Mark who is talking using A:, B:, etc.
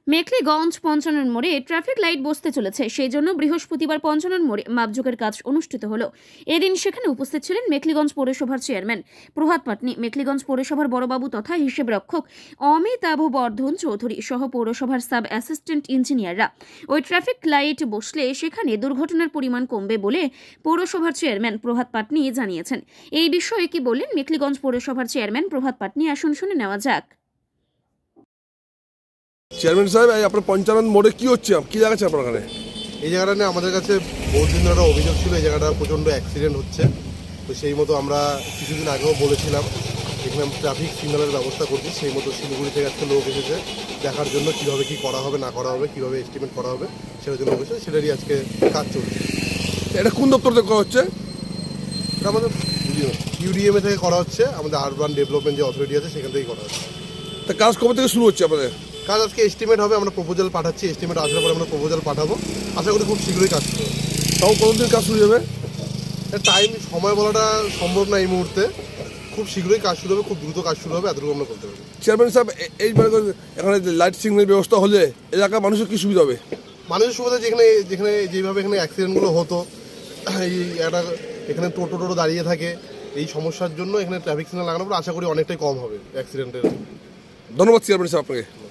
A: মেখলিগঞ্জ পঞ্চানন মোড়ে traffic light বসতে চলেছে, সেই জন্য বৃহস্পতিবার পঞ্চানন মোড়ে মাপযোগের কাজ অনুষ্ঠিত হলো। এদিন সেখানে উপস্থিত ছিলেন মেখলিগঞ্জ পৌরসভার চেয়ারম্যান প্রভাত পাটনি, মেখলিগঞ্জ পৌরসভার বড়বাবু তথা হিসেব রক্ষক অমিতাভ বর্ধন চৌধুরী সহ পৌরসভার সাব অ্যাসিস্ট্যান্ট ইঞ্জিনিয়াররা। ওই ট্রাফিক লাইট বসলে সেখানে দুর্ঘটনার পরিমাণ কমবে বলে পৌরসভার চেয়ারম্যান প্রভাত পাটনি জানিয়েছেন। এই বিষয়ে কি বললেন মেখলিগঞ্জ পৌরসভার চেয়ারম্যান প্রভাত পাটনি, আসুন শুনে নেওয়া যাক।
B: চেয়ারম্যান সাহেব, আপনার পঞ্চানন মোড়ে কি হচ্ছে, কি জায়গা আপনার ওখানে?
C: এই জায়গাটা নিয়ে আমাদের কাছে বহুদিন ধরে অভিযোগ ছিল, এই জায়গাটা প্রচণ্ড অ্যাক্সিডেন্ট হচ্ছে। তো সেই মতো আমরা কিছুদিন আগেও বলেছিলাম এখানে ট্রাফিক সিগন্যালের ব্যবস্থা করছি। সেই মতো শিলিগুড়ি থেকে একটা লোক এসেছে দেখার জন্য কীভাবে কী করা হবে না করা হবে, কীভাবে এস্টিমেট করা হবে সেটার জন্য বসে, সেটারই আজকে কাজ চলছে।
B: এটা কোন দপ্তর থেকে করা হচ্ছে?
C: এটা আমাদের ইউডিএমএ থেকে করা হচ্ছে, আমাদের আরবান ডেভেলপমেন্ট যে অথরিটি আছে সেখান থেকেই করা হচ্ছে।
B: তা কাজ কবে থেকে শুরু হচ্ছে আপনাদের?
C: কাজ আজকে এস্টিমেট হবে, আমরা প্রপোজাল পাঠাচ্ছি, এস্টিমেট আসার পরে আমরা প্রপোজাল পাঠাবো, আশা করি খুব শীঘ্রই কাজ করবো।
B: তাও কতদিন কাজ শুরু হবে?
C: টাইম সময় বলাটা সম্ভব না এই মুহূর্তে, খুব শীঘ্রই কাজ শুরু হবে, খুব দ্রুত কাজ শুরু হবে, এতটুকু আমরা করতে পারি।
B: চেয়ারম্যান সাহেব, এই এখানে লাইট সিগন্যাল ব্যবস্থা হলে এলাকার মানুষের কি সুবিধা হবে?
C: মানুষের সুবিধা যেখানে যেখানে যেভাবে এখানে অ্যাক্সিডেন্টগুলো হতো, এই একটা এখানে টোটো দাঁড়িয়ে থাকে, এই সমস্যার জন্য এখানে ট্রাফিক সিগন্যাল লাগানোর পর আশা করি অনেকটাই কম হবে অ্যাক্সিডেন্টের।
B: ধন্যবাদ চেয়ারম্যান সাহেব আপনাকে।